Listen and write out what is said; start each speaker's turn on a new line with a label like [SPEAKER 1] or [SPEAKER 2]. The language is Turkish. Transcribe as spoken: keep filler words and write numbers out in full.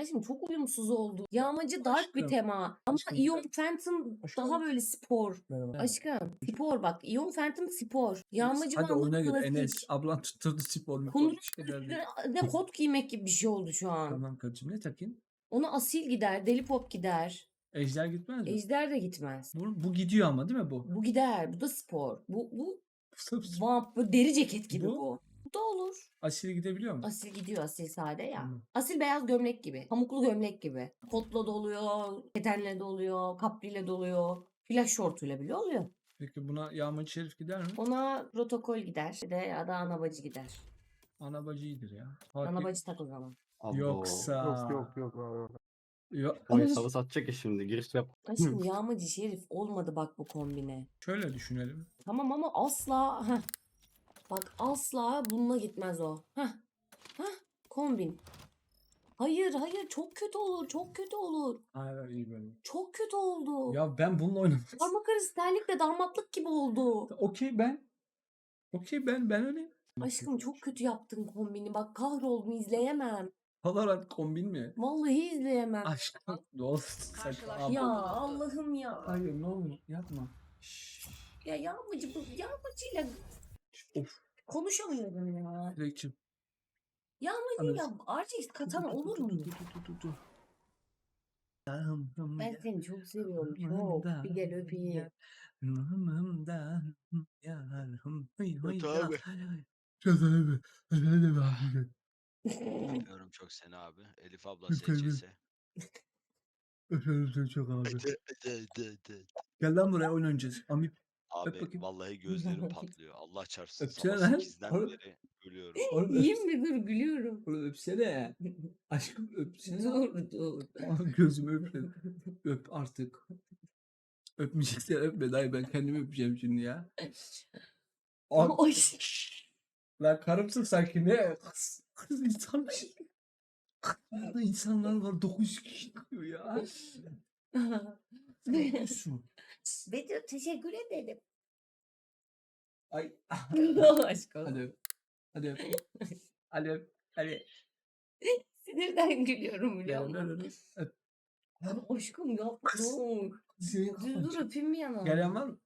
[SPEAKER 1] Aşkım çok uyumsuz oldu. Yağmacı dark bir
[SPEAKER 2] Aşkım.
[SPEAKER 1] tema. Ama
[SPEAKER 2] Aşkım.
[SPEAKER 1] Ion Phantom
[SPEAKER 2] Aşkım.
[SPEAKER 1] daha böyle spor.
[SPEAKER 2] Merhaba.
[SPEAKER 1] Aşkım spor bak. Ion Phantom spor. Yağmacı
[SPEAKER 2] Hadi
[SPEAKER 1] Van'da
[SPEAKER 2] oyuna gir
[SPEAKER 1] klasik.
[SPEAKER 2] Enes. Ablan tutturdu spor mu?
[SPEAKER 1] Kunduz
[SPEAKER 2] şeyler değil.
[SPEAKER 1] üstüne ne kot giymek gibi bir şey oldu şu an.
[SPEAKER 2] Tamam karıcığım ne takayım?
[SPEAKER 1] Ona asil gider, deli pop gider.
[SPEAKER 2] Ejder gitmez mi?
[SPEAKER 1] Ejder de gitmez.
[SPEAKER 2] Bu, bu gidiyor ama değil mi bu?
[SPEAKER 1] Bu gider. Bu da spor. Bu bu
[SPEAKER 2] Bu
[SPEAKER 1] vamp böyle deri ceket gibi
[SPEAKER 2] Bu?
[SPEAKER 1] bu. Bu da olur.
[SPEAKER 2] asil gidebiliyor mu?
[SPEAKER 1] Asil gidiyor, asil sade ya.
[SPEAKER 2] Tamam.
[SPEAKER 1] Asil beyaz gömlek gibi. Pamuklu gömlek gibi. Kotla doluyor, ketenle doluyor, kapriyle doluyor. Flash şortuyla bile oluyor.
[SPEAKER 2] Peki buna Yağmacı Şerif gider mi?
[SPEAKER 1] Ona protokol gider. Bir de ya da anabacı gider.
[SPEAKER 2] Anabacı iyidir ya. Fatih-
[SPEAKER 1] Anabacı tak o zaman.
[SPEAKER 3] Abo.
[SPEAKER 2] Yoksa.
[SPEAKER 4] Yok yok yok.
[SPEAKER 2] Yok.
[SPEAKER 3] O hesabı satacak ya şimdi. Giriş yap.
[SPEAKER 1] Aşkım yağmacı şerif olmadı bak bu kombine.
[SPEAKER 2] Şöyle düşünelim.
[SPEAKER 1] Tamam ama asla heh. Bak asla bununla gitmez o. Heh. Heh. Kombin. Hayır hayır çok kötü olur çok kötü olur.
[SPEAKER 2] Hayır iyi böyle.
[SPEAKER 1] Çok kötü oldu.
[SPEAKER 2] Ya ben bununla oynamak
[SPEAKER 1] Parmak arası terlikle damatlık gibi oldu.
[SPEAKER 2] Okey ben. Okey ben ben öyle.
[SPEAKER 1] Aşkım çok kötü yaptın kombini. Bak kahroldum izleyemem.
[SPEAKER 2] Valorant kombin mi?
[SPEAKER 1] Vallahi izleyemem.
[SPEAKER 2] Aşkım ne olur.
[SPEAKER 5] Karşılaşma.
[SPEAKER 1] Ya Allah'ım ya.
[SPEAKER 2] Hayır ne olur yapma. Şşş.
[SPEAKER 1] Ya yağmacı bu yağmacıyla
[SPEAKER 2] Of.
[SPEAKER 1] konuşamıyorum ya.
[SPEAKER 2] Dilekçim.
[SPEAKER 1] Yağmacıyla R J katan olur mu?
[SPEAKER 2] Dur dur dur dur dur.
[SPEAKER 1] Ben seni çok seviyorum çok. Bir gel öpeyim.
[SPEAKER 3] abi.
[SPEAKER 6] Öpüyorum çok seni abi. Elif abla S C S.
[SPEAKER 2] Öpüyorum seni çok abi.
[SPEAKER 6] De, de, de, de.
[SPEAKER 2] Gel lan buraya oyun oynayacağız. Amip.
[SPEAKER 6] Abi
[SPEAKER 2] bakayım.
[SPEAKER 6] vallahi gözlerim patlıyor. Allah çarpsın.
[SPEAKER 2] Öpsene
[SPEAKER 6] Sabah
[SPEAKER 2] lan.
[SPEAKER 6] sekizden
[SPEAKER 2] Oğlum.
[SPEAKER 6] beri ölüyorum.
[SPEAKER 2] Oğlum
[SPEAKER 1] İyiyim mi dur gülüyorum.
[SPEAKER 2] Oğlum öpsene. Aşkım öpsene.
[SPEAKER 1] Dur dur.
[SPEAKER 2] Gözümü öpme. Öp artık. Öpmeyeceksen öpme dayı ben kendimi öpeceğim şimdi ya. Abi,
[SPEAKER 1] Ay.
[SPEAKER 2] lan karımsın sanki ne? Kız, kız insan bir şey. Burada insanlar var dokuz yüz kişi çıkıyor ya. Ne yapıyorsun?
[SPEAKER 1] Betül teşekkür ederim.
[SPEAKER 2] Ay.
[SPEAKER 1] Aşkım.
[SPEAKER 2] Hadi öp. Hadi öp. Hadi öp. Hadi.
[SPEAKER 1] Sinirden gülüyorum biliyor
[SPEAKER 2] Gel,
[SPEAKER 1] musun?
[SPEAKER 2] gel, gel. Öp.
[SPEAKER 1] Aşkım yapma.
[SPEAKER 2] Kız.
[SPEAKER 1] Dur.
[SPEAKER 2] Senin
[SPEAKER 1] Dur
[SPEAKER 2] kafan
[SPEAKER 1] dur
[SPEAKER 2] çok-
[SPEAKER 1] öpeyim bir yana.
[SPEAKER 2] Gelen var mı?